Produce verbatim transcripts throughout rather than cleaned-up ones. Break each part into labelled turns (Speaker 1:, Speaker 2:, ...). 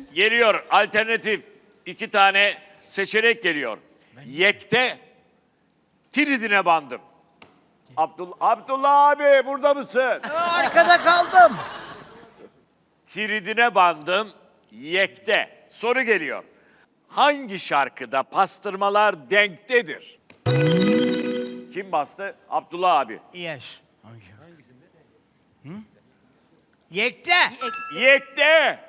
Speaker 1: Geliyor alternatif. İki tane seçenek geliyor. Yekte tridine bandım. Abdullah, Abdullah abi burada mısın?
Speaker 2: Arkada kaldım.
Speaker 1: Tridine bandım. Yekte. Soru geliyor. Hangi şarkıda pastırmalar denktedir? Kim bastı? Abdullah abi.
Speaker 2: Yes. Hangisinde? Hı? Yekte.
Speaker 1: Yekte.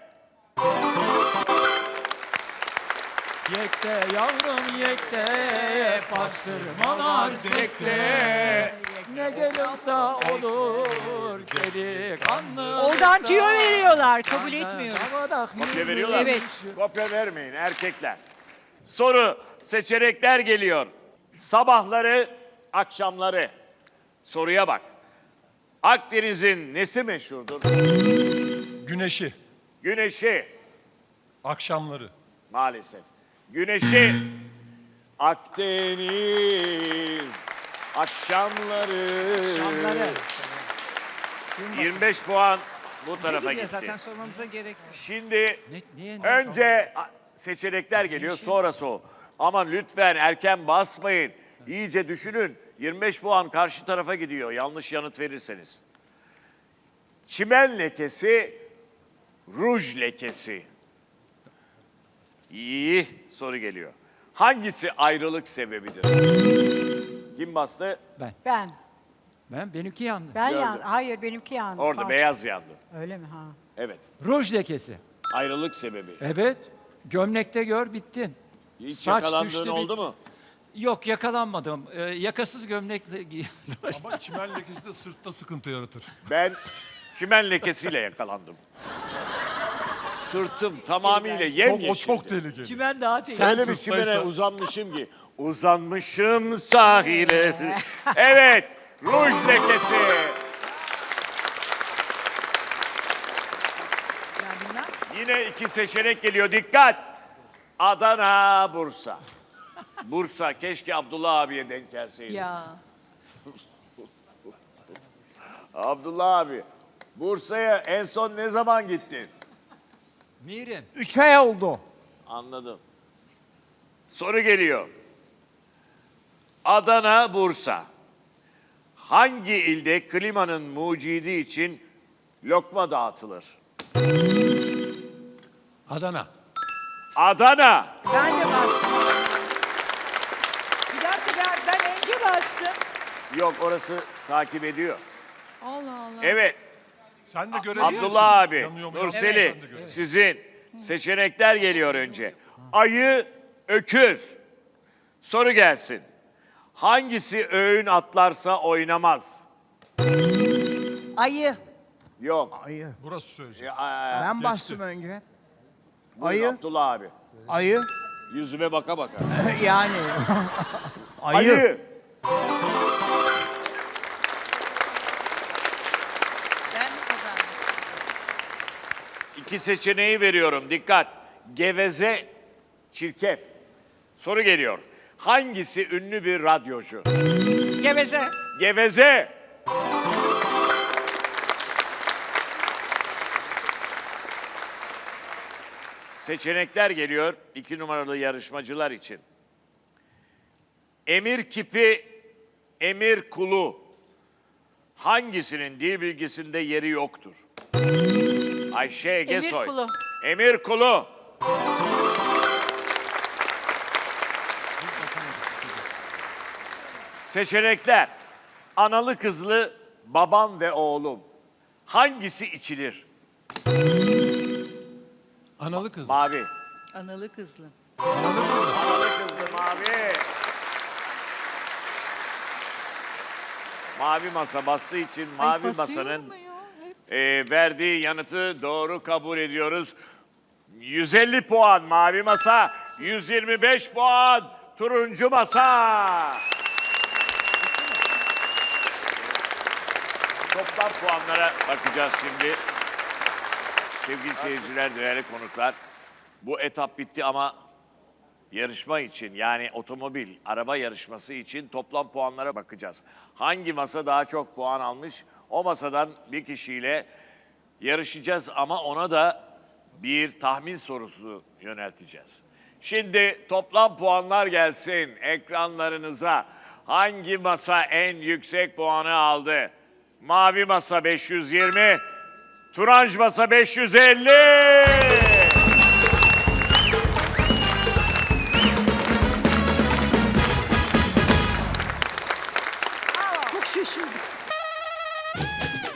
Speaker 3: Yekte yavrum yekte, pastırmalar zekte. Ne gelirse olur delikanlı.
Speaker 4: Oradan tüyo veriyorlar, kabul etmiyoruz.
Speaker 1: Kopya veriyorlar mı?
Speaker 4: Evet.
Speaker 1: Kopya vermeyin erkekler. Soru, seçenekler geliyor. Sabahları, akşamları. Soruya bak. Akdeniz'in nesi meşhurdur?
Speaker 5: Güneşi,
Speaker 1: Güneşi.
Speaker 5: akşamları.
Speaker 1: Maalesef. Güneşi. Akdeniz. Akşamları.
Speaker 3: Akşamları.
Speaker 1: yirmi beş puan bu tarafa
Speaker 3: Gidiyor
Speaker 1: gitti.
Speaker 3: zaten sormamıza gerek yok.
Speaker 1: Şimdi
Speaker 3: Ne, niye?
Speaker 1: önce a- seçenekler geliyor, sonrası o. Ama lütfen erken basmayın. İyice düşünün. yirmi beş puan karşı tarafa gidiyor yanlış yanıt verirseniz. Çimen lekesi, ruj lekesi. İyi soru geliyor. Hangisi ayrılık sebebidir? Kim bastı?
Speaker 4: Ben.
Speaker 3: Ben benimki yandı.
Speaker 4: Ben
Speaker 1: Gördüm.
Speaker 4: yan. Hayır benimki yandı.
Speaker 1: Orada
Speaker 4: Pardon.
Speaker 1: beyaz yandı.
Speaker 4: Öyle mi ha?
Speaker 1: Evet.
Speaker 3: Ruj lekesi.
Speaker 1: Ayrılık sebebi.
Speaker 3: Evet. Gömlekte gör bittin.
Speaker 1: Hiç
Speaker 3: Saç
Speaker 1: yakalandığın
Speaker 3: düştü,
Speaker 1: oldu
Speaker 3: bitti.
Speaker 1: mu?
Speaker 3: Yok yakalanmadım. Ee, yakasız gömlekle giydim.
Speaker 5: Ama çimen lekesi de sırtta sıkıntı yaratır.
Speaker 1: Ben çimen lekesiyle yakalandım. Sırtım tamamıyla
Speaker 5: Çok,
Speaker 1: yemyeşildi.
Speaker 5: o çok tehlikeli.
Speaker 3: Çimen daha tehlikeli.
Speaker 1: Öyle bir
Speaker 5: sırttaysa-
Speaker 1: çimene uzanmışım ki. Uzanmışım sahile. Evet, ruj lekesi. Yine iki seçenek geliyor. Dikkat! Adana, Bursa. Bursa, keşke Abdullah abiye denk gelseydi.
Speaker 4: Ya.
Speaker 1: Abdullah abi, Bursa'ya en son ne zaman gittin?
Speaker 3: Mirim.
Speaker 2: Üç ay oldu.
Speaker 1: Anladım. Soru geliyor. Adana, Bursa. Hangi ilde klimanın mucidi için lokma dağıtılır?
Speaker 5: Adana.
Speaker 1: Adana.
Speaker 4: Ben de bastım. Bir dakika ben, ben önce bastım.
Speaker 1: Yok orası takip ediyor.
Speaker 4: Allah Allah.
Speaker 1: Evet.
Speaker 5: Sen de görebiliyorsun.
Speaker 1: Abdullah abi,
Speaker 5: Yanıyor mu,
Speaker 1: Nurseli,
Speaker 5: yanmıyor mu? Ben de görüyorum.
Speaker 1: sizin seçenekler geliyor önce. Ayı, öküz. Soru gelsin. Hangisi öğün atlarsa oynamaz?
Speaker 2: Ayı.
Speaker 1: Yok.
Speaker 2: Ayı.
Speaker 5: Burası söyleyecek.
Speaker 1: E, aa,
Speaker 2: Ben bastım önce.
Speaker 1: buyur
Speaker 2: ayı.
Speaker 1: Abdullah abi.
Speaker 2: Ayı.
Speaker 1: Yüzüme baka baka.
Speaker 2: Yani.
Speaker 1: Ayı.
Speaker 2: Ayı.
Speaker 4: Ben mi kazandım?
Speaker 1: İki seçeneği veriyorum. Dikkat. Geveze, çirkef. Soru geliyor. Hangisi ünlü bir radyocu?
Speaker 4: Geveze.
Speaker 1: Geveze. Seçenekler geliyor iki numaralı yarışmacılar için. Emir kipi, emir kulu. Hangisinin dil bilgisinde yeri yoktur? Ayşe Egesoy.
Speaker 4: Emir kulu.
Speaker 1: Emir kulu. Seçenekler. Analı kızlı babam ve oğlum. Hangisi içilir?
Speaker 5: Analı kız.
Speaker 1: Mavi.
Speaker 4: Analı kızlı.
Speaker 1: Analı kızlı mavi. Mavi masa bastığı için mavi masanın e, verdiği yanıtı doğru kabul ediyoruz. yüz elli puan mavi masa, yüz yirmi beş puan turuncu masa. Toplam puanlara bakacağız şimdi. Sevgili seyirciler, değerli konuklar. Bu etap bitti ama yarışma için yani otomobil, araba yarışması için toplam puanlara bakacağız. Hangi masa daha çok puan almış? O masadan bir kişiyle yarışacağız ama ona da bir tahmin sorusu yönelteceğiz. Şimdi toplam puanlar gelsin ekranlarınıza. Hangi masa en yüksek puanı aldı? Mavi masa beş yüz yirmi, Turanj masa beş yüz elli.
Speaker 4: Çok şaşırdım.